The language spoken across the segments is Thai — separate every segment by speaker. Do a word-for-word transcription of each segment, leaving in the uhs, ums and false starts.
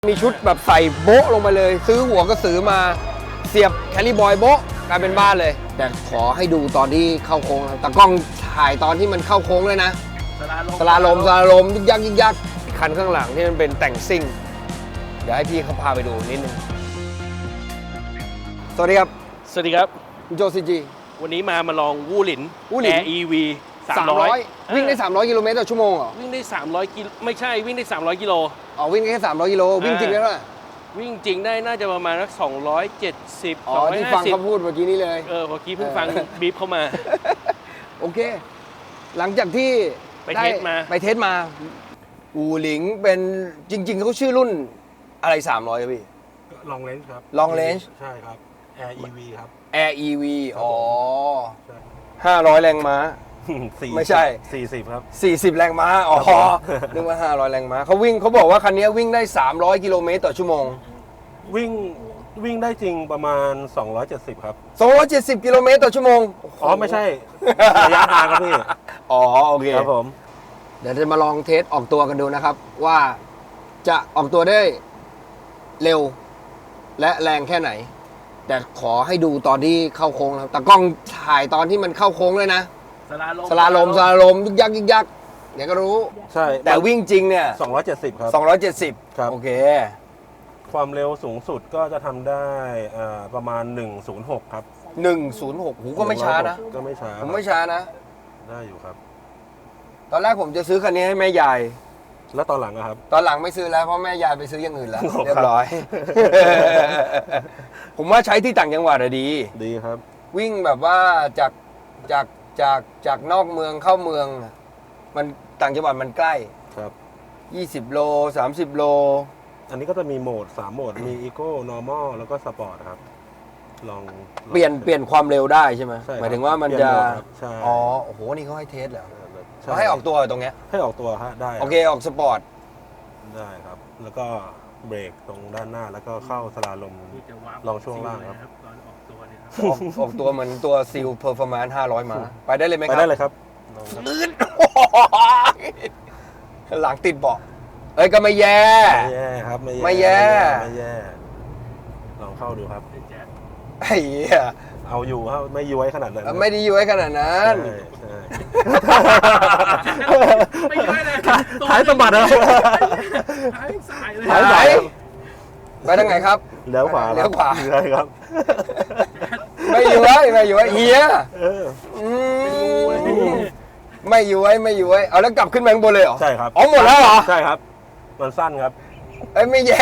Speaker 1: มีชุดแบบใส่โบ๊ะลงไปเลย ซื้อหัวกระสือมาเสียบแคลรี่บอยโบ๊ะกลายเป็นบ้านเลย แต่ขอให้ดูตอนที่เข้าโค้งแต่กล้องถ่ายตอนที่มันเข้าโค้งเลยนะสลาลมสลาลมยึกยักยึกยักคันข้างหลังที่มันเป็นแต่งซิ่งเดี๋ยวให้พี่เขาพาไปดูนิดนึงสวัสดีครับ
Speaker 2: สวัสดีครับ
Speaker 1: โจซีจี
Speaker 2: วันนี้มามาลองวู่หลิน
Speaker 1: วู่หลิน
Speaker 2: Air อี วี สามร้อย
Speaker 1: วิ่งได้สามร้อยกิโลเมตรต่อชั่วโมงเหรอ
Speaker 2: วิ่งได้สามร้อยกิโลไม่ใช่วิ่งได้สามร้อยกิโล
Speaker 1: อ๋อวิ่งแค่สามร้อยกิโลวิ่งจริงได้เท่าไหร่
Speaker 2: วิ่งจริงได้น่าจะประมาณสักสองร้อยเจ็ดสิบ
Speaker 1: อ๋อที่ฟังเขาพูดเมื่อกี้นี้เลย
Speaker 2: เออเมื่อกี้เพิ่งฟังบีบเข้ามา
Speaker 1: โอเค หลังจากที่
Speaker 2: ไปเทสมา
Speaker 1: ไปเทสมาอูหลิงเป็นจริง ๆเขาชื่อรุ่นอะไรสามร้อยครับพี่
Speaker 3: ลองเลนส์ครับ
Speaker 1: Long range
Speaker 3: ใช่ครับ Air อี วี ครับ
Speaker 1: Air อี วี อ๋อ
Speaker 3: ใช่
Speaker 1: ห้าร้อยแรงม้า
Speaker 3: สี่
Speaker 1: ไม่ใช่
Speaker 3: สี่สิบครับ
Speaker 1: สี่สิบแรงม้า อ๋อ นึกว่าห้าร้อยแรงม้าเขาวิ่งเขาบอกว่าคันนี้วิ่งได้สามร้อยกิโลเมตรต่อชั่วโมง
Speaker 3: วิ่งวิ่งได้จริงประมาณสองร้อยเจ็ดสิบครับ
Speaker 1: สองร้อยเจ็ดสิบกิโลเมตรต่อชั่วโมง
Speaker 3: อ๋อ ไม่ใช่ ระยะทางครับพี่
Speaker 1: อ๋อ โอเค
Speaker 3: ครับผม
Speaker 1: เดี๋ยวจะมาลองเทสออกตัวกันดูนะครับ ว่าจะออกตัวได้เร็วและแรงแค่ไหน แต่ขอให้ดูตอนที่เข้าโค้งนะครับแต่กล้องถ่ายตอนที่มันเข้าโค้งเลยนะ
Speaker 2: สลาลม
Speaker 1: สลาลมสลาลมยึกยักยึกยักเดี๋ยวก็รู้
Speaker 3: ใช่
Speaker 1: แต่วิ่งจริงเนี่ย
Speaker 3: สองร้อยเจ็ดสิบครับ
Speaker 1: สองร้อยเจ็ดสิบ
Speaker 3: ครับ
Speaker 1: โอเค
Speaker 3: ความเร็วสูงสุดก็จะทำได้อ่าประมาณหนึ่งศูนย์หกครับ
Speaker 1: หนึ่งศูนย์หกหูก็ไม่ช้านะ
Speaker 3: ก็ไม่ช้า
Speaker 1: ผมไม่ช้านะ
Speaker 3: ได้อยู่ครับ
Speaker 1: ตอนแรกผมจะซื้อคันนี้ให้แม่ยาย
Speaker 3: แล้วตอนหลังอะครับ
Speaker 1: ตอนหลังไม่ซื้อแล้วเพราะแม่ยายไปซื้ออย่างอื่นแล้ว
Speaker 3: ครับ
Speaker 1: เรียบร้อย ผมว่าใช้ที่ต่างจังหวัดอะดี
Speaker 3: ดีครับ
Speaker 1: วิ่งแบบว่าจากจากจากจากนอกเมืองเข้าเมือง มันต่างจังหวัดมันใกล้
Speaker 3: ครับ
Speaker 1: ยี่สิบโลสามสิบโล
Speaker 3: อันนี้ก็จะมีโหมดสามโหมด มี Eco Normal แล้วก็ Sport ครับ ลองลอง
Speaker 1: เปลี่ยนเปลี่ยนความเร็วได้ใช่ไหม
Speaker 3: ใช่ครับ
Speaker 1: หมายถึงว่ามัน
Speaker 3: เปลี่
Speaker 1: จะ
Speaker 3: ยนโหมดครับใช่
Speaker 1: อ๋อโอ้โหนี่เขาให้เทสเหรอ
Speaker 3: ใช่
Speaker 1: เขาให้ออกตัวตรงเนี้ย
Speaker 3: ให้ออกตัวฮะได้รับ
Speaker 1: โอเคออกสปอร์ต
Speaker 3: ได้ครับ แล้วก็เบรกตรงด้านหน้าแล้วก็เข้าสลาลม ลองช่วงล่างครับ
Speaker 2: ตอนออกตัวเนี่ยครับ
Speaker 1: ออกออกตัวเหมือนตัวซิลเพอร์ฟอร์แมนซ์ห้าร้อยมา ไปได้เลยไหมค
Speaker 3: ไป
Speaker 1: รับ
Speaker 3: ได้เลยครับลองครับ
Speaker 1: ลื่น หลังติดเบาะเอ้ยก็ไม่แย่
Speaker 3: ไม่แย่ครับ ไม่
Speaker 1: ไม่แย่
Speaker 3: ไม่แย่ ลองเข้าดูครับ
Speaker 1: ไอ้เหี้ย
Speaker 3: เอาอยู่ครับไม่ย้วยขนาดนั้น
Speaker 1: ไม่ได้ย้วยขนาดนั้น
Speaker 3: ใช่ใช่
Speaker 2: ไม่ย้อยเลย
Speaker 3: ท้ายสะบัดนะ
Speaker 2: ท้ายสายเลย
Speaker 1: ท้ายสาย ไปทางไหนครับ
Speaker 3: เลี้ยวขวา
Speaker 1: เลี้ยวขวา
Speaker 3: ใช่ครับ
Speaker 1: ไม่ย้วยไม่ย้วยเฮีย
Speaker 3: เออ
Speaker 1: อืมไม่ย้วยไม่ย้วยเอาแล้วกลับขึ้นมาข้างบนเลยเหรอ
Speaker 3: ใช่ครับ
Speaker 1: อ๋อหมดแล้วเหรอ
Speaker 3: ใช่ครับ มันสั้นครับ
Speaker 1: เอ้ยไม่แย่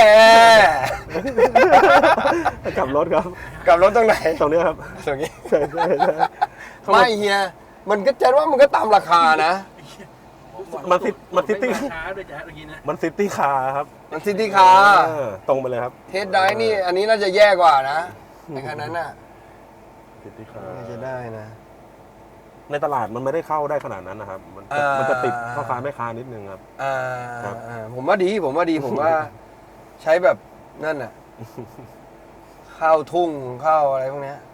Speaker 3: กลับรถครับ
Speaker 1: กลับรถตรงไหน
Speaker 3: ตรงนี้ครับ
Speaker 1: ตรงนี้
Speaker 3: ใช่ใช่ใช่
Speaker 1: ไม่เฮียมันก็จะว่ามันก็ตามราคานะ
Speaker 3: มันซิมันซิตี้
Speaker 2: ช้าด้วยแจ๊ดเมื่อกี้นะ
Speaker 3: มันซิตี้คาร์ครับ
Speaker 1: มันซิตี้คาร์
Speaker 3: เออตรงไปเลยครับ
Speaker 1: เทสได้นี่อันนี้น่าจะแย่กว่านะในคันนั้นน่ะ
Speaker 3: ซิตี้คาร์
Speaker 1: น่าจะได้นะ
Speaker 3: ในตลาดมันไม่ได้เข้าได้ขนาดนั้นนะครับ มันจะ
Speaker 1: อ่ามั
Speaker 3: มันจะติดพ่อค้าแม่ค้านิดนึงครับ
Speaker 1: อ่า
Speaker 3: ครับ
Speaker 1: อ่าผมว่าดีผมว่าดีผมว่า ใช้แบบนั่นน่ะเข้าทุ่งเข้าอะไรพวกเนี้ย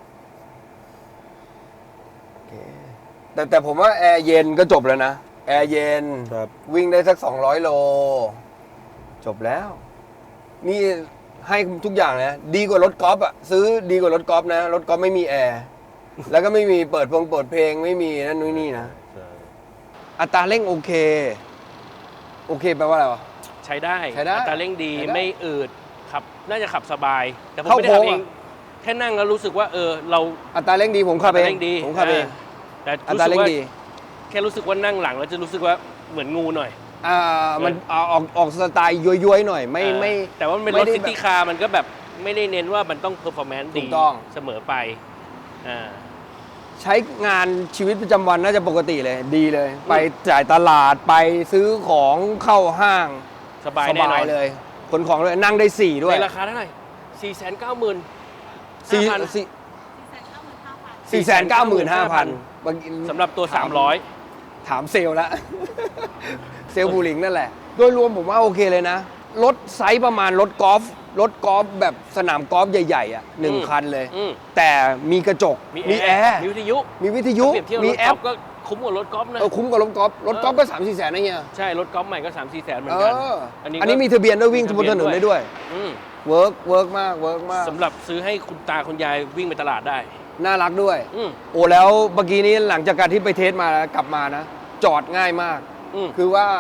Speaker 1: โอเคแต่แต่ผมว่าแอร์เย็นก็จบแล้วนะ แอร์เย็น
Speaker 3: ครับ
Speaker 1: วิ่งได้สักสองร้อยโล จบแล้ว นี่ให้ทุกอย่างนะ ดีกว่ารถกอล์ฟอ่ะ ซื้อดีกว่ารถกอล์ฟนะ รถกอล์ฟไม่มีแอร์ แล้วก็ไม่มีเปิดพงเปิดเพลงไม่มีนั่นนู่นนี่นะ
Speaker 3: ใช่
Speaker 1: อัตราเร่งโอเค โอเคแปลว่าอะไรวะ
Speaker 2: ใช้ได้
Speaker 1: ใช้ได้
Speaker 2: อัตราเร่งดี
Speaker 1: ใช้ได้
Speaker 2: ไม่อืดขับน่าจะขับสบาย แต่ผม
Speaker 1: เข้า
Speaker 2: ไม่ได้ขับ
Speaker 1: โค้
Speaker 2: เอง ง
Speaker 1: อะ
Speaker 2: แค่นั่งแล้วรู้สึกว่าเออเรา
Speaker 1: อัตราเร่งดีผมขับเอ
Speaker 2: อัตราง เร่งดี
Speaker 1: ผมขับเอง
Speaker 2: แต่
Speaker 1: อั
Speaker 2: รู้
Speaker 1: ตรา
Speaker 2: สึก
Speaker 1: เร่ง
Speaker 2: ว่า
Speaker 1: ดี
Speaker 2: แค่รู้สึกว่านั่งหลังแล้วจะรู้สึกว่าเหมือนงูหน่อย
Speaker 1: อ่ามันเอาออกออกสไตล์ย้วยๆหน่อย ไม่
Speaker 2: เออ
Speaker 1: ไม่
Speaker 2: แต่ว่ามันเป็น
Speaker 1: ไม่
Speaker 2: รถ
Speaker 1: ได้
Speaker 2: ซิตี้คาร์มันก็แบบไม่ได้เน้นว่ามันต้องเพอร์ฟอร์แมนซ์
Speaker 1: ถู
Speaker 2: ดี
Speaker 1: กต้อง
Speaker 2: เสมอไปอ่า
Speaker 1: ใช้งานชีวิตประจำวันน่าจะปกติเลย ดีเลย ไปจ่ายตลาดไปซื้อของเข้าห้าง
Speaker 2: สบาย
Speaker 1: ส
Speaker 2: แน่น
Speaker 1: บา
Speaker 2: อย น
Speaker 1: เลยขนของเลยนั่งได้สี่ด้วย
Speaker 2: ในราคาเท่าไหร่สี่แสนเก้าหมื่น
Speaker 1: สี่
Speaker 2: ห้าพัน
Speaker 1: สี่สี่แสนเก้าหมื่นห้าพัน
Speaker 2: สำหรับตัวสามร้อย
Speaker 1: ถามเซลล์ละ เซลล์บูลิงนั่นแหละ โดยรวมผมว่าโอเคเลยนะ รถไซส์ประมาณรถกอล์ฟรถกอล์ฟแบบสนามกอล์ฟใหญ่ๆอ่ะหนึ่งคันเลย
Speaker 2: อืม
Speaker 1: แต่มีกระจก มีแอร์
Speaker 2: มีวิทยุ
Speaker 1: มีวิทยุ
Speaker 2: เปรียบเทียบ
Speaker 1: มี
Speaker 2: รถ
Speaker 1: แอก
Speaker 2: อ
Speaker 1: ป
Speaker 2: ล์ฟก็คุ้มกว่ารถกอล์ฟนะ
Speaker 1: เออคุ้มกว่ารถกอล์ฟรถกอล์ฟก็สามสี่แสนนะเฮีย
Speaker 2: ใช่รถกอล์ฟใหม่ก็สามสี่แสนเหมือ
Speaker 1: เอน
Speaker 2: กัน
Speaker 1: อ
Speaker 2: อันนี้
Speaker 1: อันนี้มีทะเบียนด้วยวิ่งบนถนนได้ด้วย
Speaker 2: อืม
Speaker 1: เวิร์กเวิร์กมากเวิร์กมาก
Speaker 2: สำหรับซื้อให้คุณตาคุณยายวิ่งไปตลาดได้
Speaker 1: น่ารักด้วย
Speaker 2: อืม
Speaker 1: โอ้แล้วเมื่อกี้นี้หลังจากการที่ไปเทสมาแล้วกลับมานะ จอดง่ายมาก
Speaker 2: อืม
Speaker 1: คือว่าร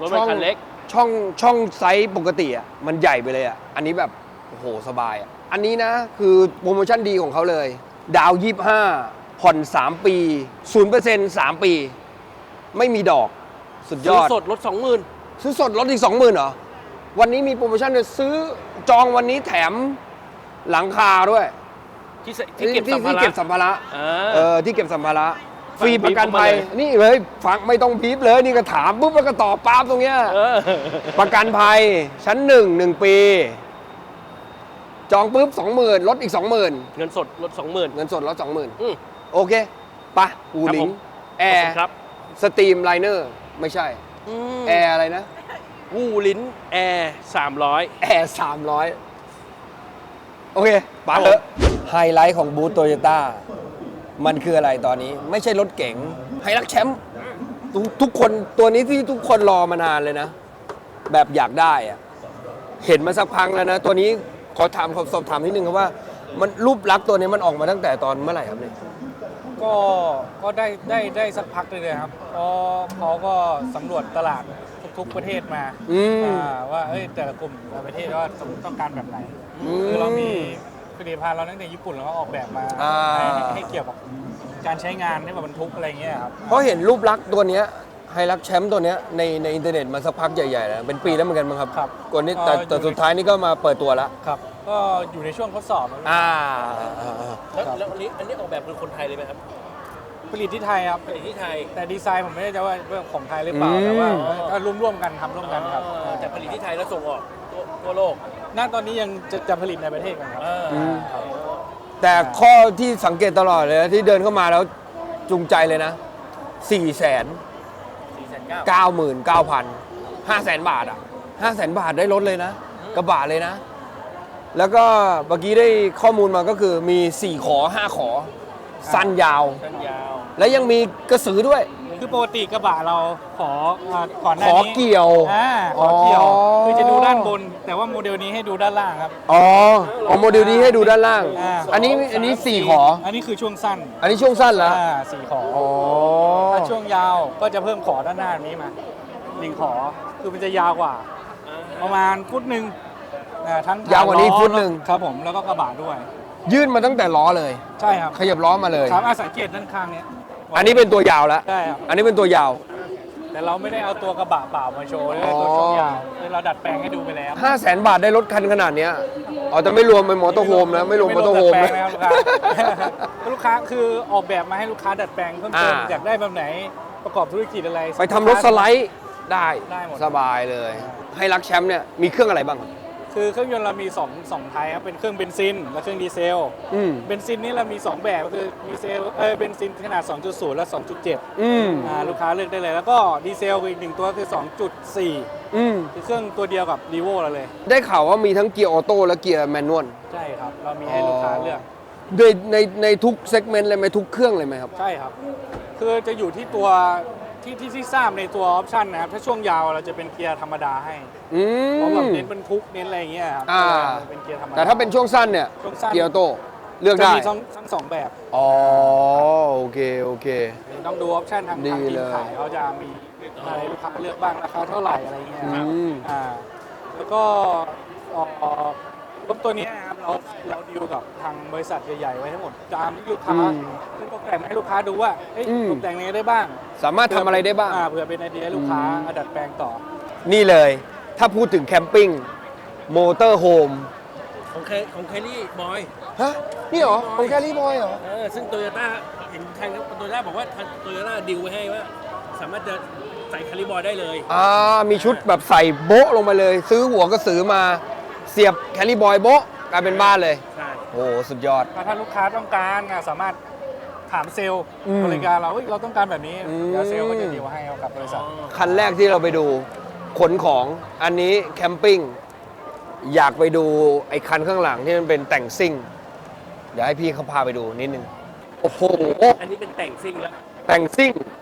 Speaker 2: ถมันคันเล็ก
Speaker 1: ช่องช่องไซส์ปกติอ่ะมันใหญ่ไปเลยอ่ะอันนี้แบบโอ้โหสบายอ่ะอันนี้นะคือโปรโมชั่นดีของเขาเลย ดาวยี่สิบห้าผ่อนสามปีศูนย์เปอร์เซ็นต์สามปี ไม่มีดอกสุดย
Speaker 2: ซื้อ
Speaker 1: อด
Speaker 2: สดรถสองหมื่น
Speaker 1: ซื้อสดลดอีกสองหมื่นเหรอ วันนี้มีโปรโมชั่นเลยซื้อจองวันนี้แถมหลังคาด้วย
Speaker 2: ที่ใส่ที่เก็บสัมภา
Speaker 1: ที่
Speaker 2: ระ
Speaker 1: เก็บสัมภาระ
Speaker 2: อ่า
Speaker 1: เออที่เก็บสัมภาระ
Speaker 2: ฟั
Speaker 1: ฟ
Speaker 2: ง
Speaker 1: รีประกัน
Speaker 2: บีบเข้ามา
Speaker 1: ภัย
Speaker 2: เลย
Speaker 1: นี่เลยฟังไม่ต้องพีบเลยนี่ก็ถามปุ๊บแล้วก็ตอบปั๊บตรงเนี้ย
Speaker 2: เออ
Speaker 1: ประกันภัยชั้นหนึ่งหนึ่งปี จองปุ๊บสองหมื่นลดอีกสองหมื่น
Speaker 2: เงินสดรถสองหมื่น
Speaker 1: เงินสดลดสองหมื่น
Speaker 2: อืม
Speaker 1: โอเคปะอู
Speaker 2: ครับ
Speaker 1: ลิ
Speaker 2: ผ
Speaker 1: ง
Speaker 2: ม
Speaker 1: แอ
Speaker 2: ขอบคุ
Speaker 1: ร์
Speaker 2: ณครับ
Speaker 1: สตรีมไลเนอร์ไม่ใช่ แอร์อะไรนะ
Speaker 2: วูลิ้นแอร์สามร้อย
Speaker 1: แอร์สามร้อยโอเคปาเถอะไฮไลท์ของบูธโตโยต้ามันคืออะไรตอนนี้ ไม่ใช่รถเก๋งไฮรักแชมป์ทุกทุกคนตัวนี้ที่ทุกคนรอมานานเลยนะ แบบอยากได้อะเห็นมาสักพักแล้วนะ ตัวนี้ขอถามขอสอบถามนิดนึงครับว่า มันรูปลักษณ์ตัวนี้มันออกมาตั้งแต่ตอนเมื่อไหร่ครับเนี่ย
Speaker 4: ก็ก็ได้ได้ได้สักพักเลยนะครับเพราะเขาก็สำรวจตลาดทุกๆประเทศมา
Speaker 1: อืม
Speaker 4: อ่าว่าเอ้ยแต่ละกลุ่มแต่ละประเทศว่าต้องการแบบไหน
Speaker 1: อืม
Speaker 4: คือเรามีผลิตภัณฑ์เราตั้งแต่ญี่ปุ่นเราก็ออกแบบมา
Speaker 1: อ่า
Speaker 4: ให้ให้ให้เกี่ยวกับการใช้งานให้แบบบรรทุกอะไรเงี้ยครับ
Speaker 1: เพราะเห็นรูปลักษณ์ตัวเนี้ยไฮรักแชมป์ตัวเนี้ยในในอินเทอร์เน็ตมาสักพักใหญ่ๆแล้วเป็นปีแล้วเหมือนกันมั้งครับ
Speaker 4: ครับ
Speaker 1: ก่อนนี้แต่แต่
Speaker 4: เอ่ออยู่
Speaker 1: สุดท้ายนี่ก็มาเปิดตัวแล้ว
Speaker 4: ครับก็อยู่ในช่วงทดสอบครับ
Speaker 1: อ่า
Speaker 2: แล้วแล้วอันนี้อันนี้ออกแบบเป็นคนไทยเลยไหมครับ
Speaker 4: ผลิตที่ไทยครับ
Speaker 2: ผลิตที่ไทย
Speaker 4: แต่ดีไซน์ผมไม่แน่ใจว่าว่าของไทยหรือเปล่า
Speaker 1: อืม
Speaker 4: แต่ว่าก็ร่วมร่วมๆกันทำร่วมกันครับ
Speaker 2: อ่าแต่ผลิตที่ไทยแล้วส่งออกทั่วทั่วโลก
Speaker 4: ณตอนนี้ยังจะจะผลิตในประเทศกันครับ
Speaker 2: อ่า
Speaker 1: อืม แต่ข้อที่สังเกตตลอดเลยนะที่เดินเข้ามาแล้วจูงใจเลยนะสี่แสน
Speaker 2: สี่แสนเก้า
Speaker 1: เก้าหมื่นเก้าพันห้าแสนบาทอ่ะห้าแสนบาทได้รถเลยนะ กระบะเลยนะ แล้วก็เมื่อกี้ได้ข้อมูลมาก็คือมีสี่ขอห้าขอ สั้นยาว
Speaker 2: สั้นยาว
Speaker 1: และยังมีกระสือด้วย
Speaker 4: คือปกติกระบะเราขออ่าก่อนหน้า
Speaker 1: ขอ
Speaker 4: นี้
Speaker 1: เกี่ยว
Speaker 4: อ่าขอเกี่ยว
Speaker 1: อ๋อ
Speaker 4: คือจะดูด้านบน แต่ว่าโมเดลนี้ให้ดูด้านล่างครับ
Speaker 1: อ๋อเอาโมเดลนี้ให้ดูด้านล่าง
Speaker 4: อ่า
Speaker 1: อันนี้อันนี้สี่ขอ
Speaker 4: อันนี้คือช่วงสั้น
Speaker 1: อันนี้ช่วงสั้นแล้ว
Speaker 4: อ่าสี่ขอ
Speaker 1: อ๋อ
Speaker 4: ถ้าช่วงยาวก็จะเพิ่มขอด้านหน้านี้มาหนึ่งขอคือมันจะยาวกว่า ประมาณฟุตหนึ่งอ่าทั้ง
Speaker 1: ยาวกว่านี้ฟุตหนึ่ง
Speaker 4: ครับผมแล้วก็กระบะด้วย
Speaker 1: ยื่นมาตั้งแต่ล้อเลย
Speaker 4: ใช่ครับ
Speaker 1: ขยับล้อมาเลย
Speaker 4: ครับอ่ะสังเกตด้านข้างเนี้ย
Speaker 1: อันนี้เป็นตัวยาวแล้ว
Speaker 4: ใช่ครับ
Speaker 1: อันนี้เป็นตัวยาว
Speaker 4: แต่เราไม่ได้เอาตัวกระบะเปล่ามาโชว์เลยตัวช่วงยาวคือเราดัดแปลงให้ดูไปแล้ว
Speaker 1: ห้าแสนบาทได้รถคันขนาดเนี้ยอ๋อแต่ไม่รวมเป็นมอเตอร์โฮมนะ ไม่รวมมอเตอร์โฮม
Speaker 4: ไรว
Speaker 1: นะ
Speaker 4: ดัดแปลงนะครับลูกค้า ลูกค้าคือออกแบบมาให้ลูกค้าดัดแปลงเพิ่มเติม
Speaker 1: อ่า
Speaker 4: อยากได้แบบไหนประกอบธุรกิจอะไร
Speaker 1: ไปทำรถสไลด์ได้
Speaker 4: ได้หมด
Speaker 1: สบายเลย ให้รักแชมป์เนี่ยมีเครื่องอะไรบ้างครับ
Speaker 4: คือเครื่องยนต์เรามี2 2ไทยครับเป็นเครื่องเบนซินและเครื่องดีเซล
Speaker 1: อืม
Speaker 4: เบนซินนี่เรามี สอง แบบก็คือดีเซลเออเบนซินขนาด สองจุดศูนย์ และ สองจุดเจ็ด
Speaker 1: อืม
Speaker 4: อ่าลูกค้าเลือกได้เลย แล้วก็ดีเซลอีกหนึ่งตัวคือ สองจุดสี่
Speaker 1: อืม
Speaker 4: คือเครื่องตัวเดียวกับรีโวเราเลย
Speaker 1: ได้ข่าวว่ามีทั้งเกียร์ออโต้และเกียร์แมนนวล
Speaker 4: ใช่ครับ เรามีให้ลูกค้าเลือก
Speaker 1: ในในในทุกเซกเมนต์เลยไหมทุกเครื่องเลยไหมครับ
Speaker 4: ใช่ครับ คือจะอยู่ที่ตัวที่ที่ที่ทราบในตัวออปชันนะครับ ถ้าช่วงยาวเราจะเป็นเกียร์ธรรมดาให้
Speaker 1: อื
Speaker 4: เพราะแบบ
Speaker 1: ม
Speaker 4: เน้นบรรทุกเน้นอะไรอย่างเงี้ยครับ
Speaker 1: อ่า
Speaker 4: เป็นเกียร์ธรรมดา
Speaker 1: แต่ถ้าเป็นช่วงสั้นเนี่ย
Speaker 4: ช่วงสั้น
Speaker 1: เกียร์ออโต้เลือก
Speaker 4: จะ
Speaker 1: ได้
Speaker 4: มีทั้งทั้งสองแบบ
Speaker 1: อ๋อโอเคโอเค
Speaker 4: ต้องดูออปชันทาง
Speaker 1: ดี
Speaker 4: ทางที
Speaker 1: เล
Speaker 4: ม
Speaker 1: ย
Speaker 4: ขายเขาจะมีอะไรลูกค้าเลือกบ้างราคาเท่าไหร่อะไรเงี้ยครับ
Speaker 1: อืม
Speaker 4: อ่าแล้วก็เอ่อรถตัวเนี้ยนะครับเราเราดีลกับทางบริษัทใหญ่ๆไว้ทั้งหมดตามที่ลูกค้า
Speaker 1: อืม
Speaker 4: ซึ่งตกแต่งให้ลูกค้าดูว่าเอ้ย
Speaker 1: อืม
Speaker 4: ตกแต่งยังไงได้บ้าง
Speaker 1: สามารถทำอะไรได้บ้าง
Speaker 4: อ่าเผื่อเป็นไอเดียให้ลูกค้าเอาดัดแปลงต่อ
Speaker 1: นี่เลย ถ้าพูดถึงแคมปิ้งมอเตอร์โฮม
Speaker 2: ของแคของแคลรี่บอย
Speaker 1: ฮะ นี่เหรอของแคลรี่บอยเหรอ
Speaker 2: เออซึ่งโตโยต้าเห็นทางโตโยต้าบอกว่าทางโตโยต้าดีลไว้ให้ว่า สามารถจะใส่แคลรี่บอยได้เลย
Speaker 1: อ่า มีชุดแบบใส่โบ๊ะลงมาเลย ซื้อหัวกระสือมาเสียบแคลรี่บอยโบ๊ะกลายเป็นบ้านเลย
Speaker 2: ใช่
Speaker 1: โอ้โหสุดยอด
Speaker 4: ถ้าลูกค้าต้องการอ่ะสามารถถามเซลล์
Speaker 1: อืม
Speaker 4: บริการเราเฮ้ยเราต้องการแบบนี้
Speaker 1: อืม
Speaker 4: เดี๋ยวเซลล์ก็จะดีลให้กับบริษัท
Speaker 1: คันแรกที่เราไปดูขนของอันนี้แคมปิ้งอยากไปดูไอ้คันข้างหลังที่มันเป็นแต่งซิ่ง เดี๋ยวให้พี่เขาพาไปดูนิดนึง โอ้โห
Speaker 2: อันนี้เป็นแต่งซิ่งแล้ว
Speaker 1: แต่งซิ่ง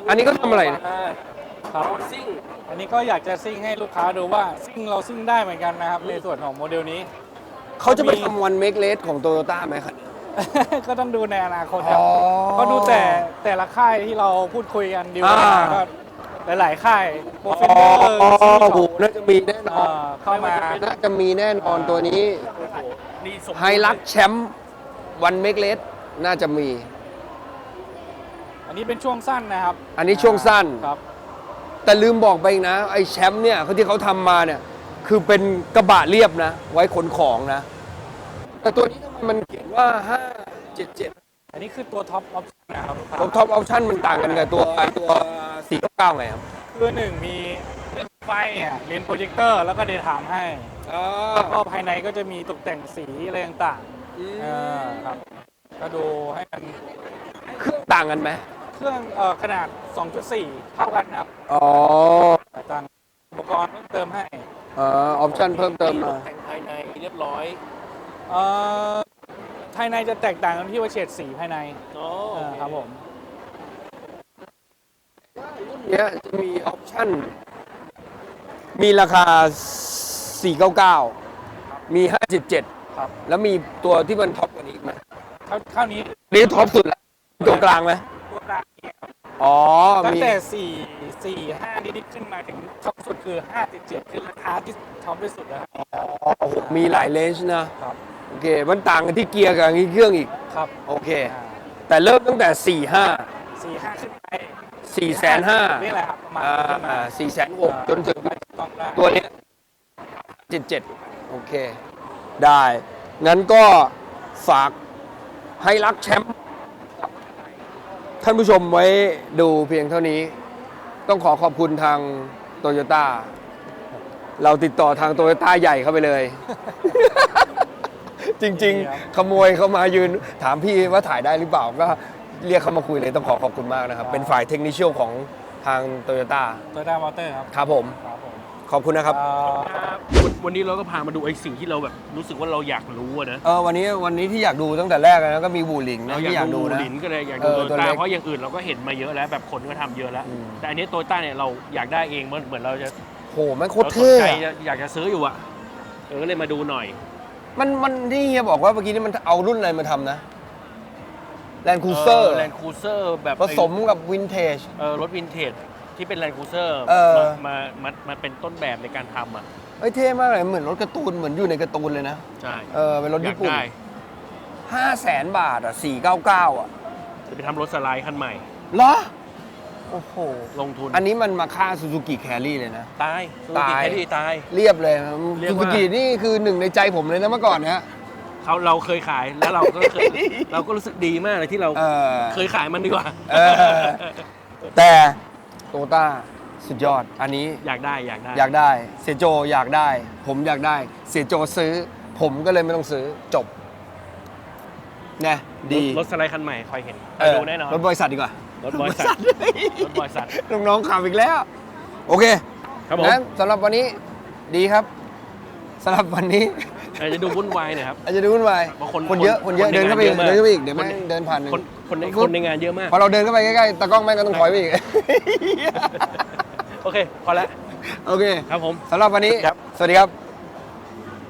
Speaker 1: อันนี้ก็ทำอะไรเนี่ย
Speaker 4: ครับ
Speaker 2: ซิ่ง
Speaker 4: อันนี้ก็อยากจะซิ่งให้ลูกค้าดูว่าซิ่งเราซิ่งได้เหมือนกันนะครับ ในส่วนของโมเดลนี้
Speaker 1: เขาจะไปทำวันเมกเลสของโตโยต้าไหมครับ
Speaker 4: ก็ต้องดูในอนาคตครับ
Speaker 1: อ๋อ
Speaker 4: ก็ดูแต่แต่ละค่ายที่เราพูดคุยกันดีล
Speaker 1: อ่า
Speaker 4: ก็หลายๆค่ายโปร
Speaker 1: อ๋
Speaker 4: เฟนเดอร์
Speaker 1: อโอ้โหน่าจะมีแน่นอน
Speaker 4: เข้ามา
Speaker 1: น่าจะมีแน่นอนตัวนี้
Speaker 2: นี่สม
Speaker 1: ไฮลักแชมป์วันเมกเลสน่าจะมี
Speaker 4: อันนี้เป็นช่วงสั้นนะครับ
Speaker 1: อันนี้ช่วงสั้น
Speaker 4: ครับ
Speaker 1: แต่ลืมบอกไปอีกนะ ไอ้แชมป์เนี่ยเขาที่เขาทำมาเนี่ย คือเป็นกระบะเรียบนะ ไว้ขนของนะ แต่ตัวนี้ทำไมมันเขียนว่า ห้าเจ็ดเจ็ด
Speaker 4: อันนี้คือตัวท็อปออปชั่นนะครับ
Speaker 1: ท็อปท็อปออปชั่นมันต่างกันกับตัวตัวสี่เก้าไงครับ
Speaker 4: คือหนึ่งมีไฟอ่ะเลนส์โปรเจคเตอร์แล้วก็เดย์ไทม์ให้ แล้วก็ภายในก็จะมีตกแต่งสีอะไรต่างๆเออครับ ก็ดูให้มัน
Speaker 1: เครื่องต่างกันไหม
Speaker 4: เครื่องเอ่อขนาด สองจุดสี่ เท่ากันครับ
Speaker 1: อ๋อ
Speaker 4: แต่ต่างอุปกรณ์เพิ่มเติมให้
Speaker 1: อ๋อออปชั่นเพิ่มเติมมา
Speaker 2: แต่งภายในเรียบร้อย
Speaker 4: เอ่อภายในจะแตกต่างกันที่ว่าเฉดสีภายใน
Speaker 2: อ๋อ
Speaker 4: เออครับผม
Speaker 1: เนี้ยจะมีออปชั่น มีราคา สี่เก้าเก้า มี ห้าเจ็ดเจ็ด
Speaker 4: ครับ
Speaker 1: แล้วมีตัวที่มันท็อปกว่านี้อีกไหม
Speaker 4: เท่าเท่านี้
Speaker 1: นี่ท็อปสุดแล้วตัวกลางไหม
Speaker 4: ตัวกลางเนี่ยครับ
Speaker 1: อ๋อ
Speaker 4: ตั้ง
Speaker 1: มี
Speaker 4: แต่สี่ สี่ ห้านิดๆขึ้นมาถึงท็อปสุดคือห้าเจ็ดเจ็ดคือราคาที่ท็อปที่สุดนะครับ
Speaker 1: อ๋อโอ้โหมีหลายเลนส์นะ
Speaker 4: ครับ
Speaker 1: โอเค มันต่างกันที่เกียร์กับเครื่องอีก
Speaker 4: ครับ
Speaker 1: โอเค
Speaker 4: อ่า
Speaker 1: แต่เริ่มตั้งแต่ สี่ห้า
Speaker 4: สี่ห้าขึ้นไป
Speaker 1: สี่แสนห้า
Speaker 4: นี่แหละครับประมาณ
Speaker 1: อ่
Speaker 4: นี้ขึ้นมา
Speaker 1: าสี่แสนหกจนถึง
Speaker 4: ต้องได้
Speaker 1: ตัวเนี้ยเจ็ดเจ็ดโอเค ได้ งั้นก็ฝากให้รักแชมป์ท่านผู้ชมไว้ดูเพียงเท่านี้ ต้องขอขอบคุณทางโตโยต้า เราติดต่อทางโตโยต้าใหญ่เข้าไปเลย จริง ๆ ขโมยเขามายืน ถามพี่ว่าถ่ายได้หรือเปล่า ก็เรียกเขามาคุยเลยต้องขอขอบคุณมากนะครับ เป็นฝ่ายเทคนิคของทางโตโยต้า
Speaker 4: โตโยต้ามอเตอร์ครับ
Speaker 1: ครับผม
Speaker 4: ครับผม
Speaker 1: ขอบคุณนะครับ
Speaker 4: เอ่อ
Speaker 2: วันวันนี้เราก็พามาดูไอ้สิ่งที่เราแบบรู้สึกว่าเราอยากรู้อะนะ
Speaker 1: เออวันนี้วันนี้ที่อยากดูตั้งแต่แรกนะก็มีบูหลิงนะ
Speaker 2: เราอ
Speaker 1: ที่อยาก
Speaker 2: าก
Speaker 1: ดู
Speaker 2: ดู
Speaker 1: นะ
Speaker 2: หลินก็เลยอยากดู
Speaker 1: เออ
Speaker 2: โต
Speaker 1: ตัว
Speaker 2: โย
Speaker 1: เล็
Speaker 2: ต้าก เพราะอย่างอื่นเราก็เห็นมาเยอะแล้วแบบคนก็ทำเยอะแล้ว
Speaker 1: อืม
Speaker 2: แต่อันนี้โตโยต้าเนี่ยเราอยากได้เองเหมือนเหมือนเราจะ
Speaker 1: โหมันโคตร
Speaker 2: เราสน
Speaker 1: เท่
Speaker 2: ใจ
Speaker 1: อะ
Speaker 2: อยากจะซื้ออยู่อะเออก็เลยมาดูหน่อย
Speaker 1: มันมันที่เฮียบอกว่าเมื่อกี้นี่มันเอารุ่นอะไรมาทำนะแลนด์คูเซอร์
Speaker 2: แลนด์คูเซอร์แบบ
Speaker 1: ผสมกับวินเทจ
Speaker 2: เออรถวินเทจที่เป็นแลนด์คูเซอร์
Speaker 1: เออ
Speaker 2: มามามาเป็นต้นแบบในการทำอ่ะ
Speaker 1: เฮ้ยเท่มากเลยเหมือนรถการ์ตูนเหมือนอยู่ในการ์ตูนเลยนะ
Speaker 2: ใช่
Speaker 1: เออเป็นรถ
Speaker 2: อยา
Speaker 1: ญี่
Speaker 2: ก
Speaker 1: ปุ่น
Speaker 2: ได้
Speaker 1: ห้าแสนบาทอ่ะสี่เก้าเก้าอ่ะ
Speaker 2: จะไปทำรถสไลด์คันใหม่
Speaker 1: เหรอ โอ้โห
Speaker 2: ลงทุน
Speaker 1: อันนี้มันมาค่าซูซูกิแครี่เลยนะ
Speaker 2: ตายซูซู
Speaker 1: ตา
Speaker 2: กิ
Speaker 1: ย
Speaker 2: แคดดี้ตาย
Speaker 1: เรียบเลย
Speaker 2: เรียก
Speaker 1: ซู
Speaker 2: ว่า
Speaker 1: ซูกินี่คือหนึ่งในใจผมเลยนะเมื่อก่อนเนี้ย
Speaker 2: เขาเราเคยขายแล้วเราก็เคย เราก็รู้สึกดีมากเลยที่เรา
Speaker 1: เออ
Speaker 2: เคยขายมันดีกว่า
Speaker 1: เออ แต่โตต้าสุดยอด อันนี้
Speaker 2: อยากได้อยากได้
Speaker 1: อยากได้ เสียโจอยากได้ ผมอยากได้ เสียโจซื้อ ผมก็เลยไม่ต้องซื้อจบนะดี
Speaker 2: รถรถสไลด์คันใหม่คอยเห็นค
Speaker 1: เอ
Speaker 2: อย
Speaker 1: อ
Speaker 2: ดูแน่นอน
Speaker 1: รถบริษัทดีกว่า
Speaker 2: รถบริษัทรถบริษัท
Speaker 1: น้องๆขับอีกแล้ว โอเค
Speaker 2: ครับผม
Speaker 1: งั้นสำหรับวันนี้ดีครับสำหรับวันนี้
Speaker 2: อาจจะดูวุ่นวายหน่อยครับ
Speaker 1: อาจจะดูวุ่นวาย
Speaker 2: บางคน
Speaker 1: คนเยอะคนเยอะ
Speaker 2: คนใน
Speaker 1: เดินเข้าไปอีก
Speaker 2: งานเยอะมาก
Speaker 1: เดินเข้าไปอีกเดี๋ยวแม่ง
Speaker 2: คน
Speaker 1: เดินผ่านหนึ่ง
Speaker 2: คนคนใน
Speaker 1: ปุ๊บ
Speaker 2: คนในงานเยอะมาก
Speaker 1: พอเราเดินเข้าไปใกล้ๆตากล้องแม่งก็ต้องถอยไปอีก
Speaker 2: โอเค พอแล้ว
Speaker 1: โอเค
Speaker 2: ครับผม
Speaker 1: สำหรับวันนี้
Speaker 2: ครับ
Speaker 1: สวัสดีครับ